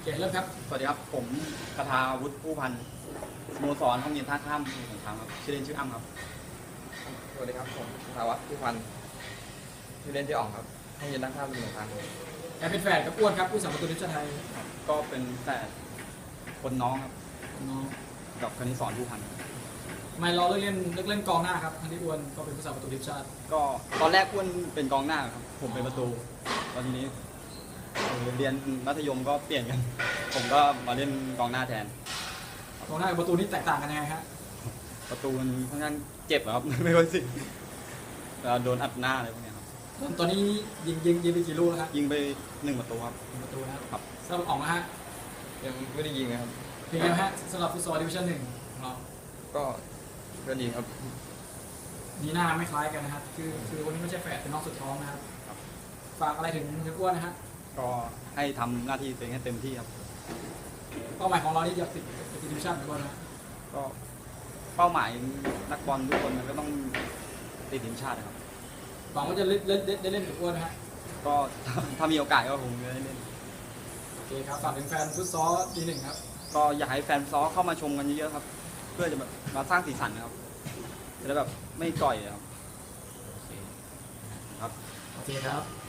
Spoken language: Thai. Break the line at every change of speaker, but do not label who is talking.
เริ่มครับ
สวัสดีครับผมคทาวุฒิผู้พันธ์สโมสรห้องเย็นท่าข้ามสมุทรสงครามครับชื่อเล่นชื่ออ้ำครับ
สวัสดีครับผมสาวัตรผู้พันชื่อเล่นที่อ่องครับห้องเย็นด้านข้างเป็นหนึ่งทาง
แอบเป็นแฝดกับอ้วนครับผู้สาประตูทีมชาติไทย
ก็เป็นแต่คนน้องครับ
น้อง
กับคณิตสอนผู้พันธ์
ทำไมเราเลือกเล่นกองหน้าครับทั้งที่อ้วนก็เป็นผู้สาประตูทีมชาติ
ก็ตอนแรกอ้วนเป็นกองหน้าครับผมเป็นประตูตอนนี้เรียนมัธยมก็เปลี่ยนกันผมก็มาเล่นกองหน้าแทน
กองหน้ากับประตูนี่แตกต่างกันยังไงครับ
ประตูมันค่อนข้างเจ็บครับ ไม่ค่อยสิโดนอัดหน้าอะไรพวกนี้ครับ
ตอนนี้ยิงไปกี่ลูกแล้วครับ
ยิงไป1 ประตูครับ
1 ประตูนะครับสำหรับอ๋องนะฮะ
ยังไม่ได้ยิงนะครับ
เป็นไงฮะสำหรับฟุตซอลดิวิชั่น1ของเรา
ก็ดีครับ
ดีหน้าไม่คล้ายกันนะครับคือวันนี้ไม่ใช่แฝดเป็นน้องสุดท้องนะครับฝากอะไรถึงอ้วนนะฮะ
ก็ให้ทำหน้าที่ตัวเองให้เต็มที่ครับ
เป้าหมายของเรานี่อยากติดดิวิชั่นหรือว่านะ
ก็เป้าหมายนักบอลทุกคนมันก็ต้องติดทีมชาติครับ
หวังว่าจะได้เล่นกับอ้วนนะฮะ
ก็ถ้ามีโอกาสก็คงจะได้เล่น
โอเคครับฝากถึงแฟนฟุตซอลD1ครับ
ก็อยากให้แฟนฟุตซอลเข้ามาชมกันเยอะๆครับเพื่อจะแบบมาสร้างสีสันนะครับจะได้แบบไม่ก่อยครับ
โอเคครับ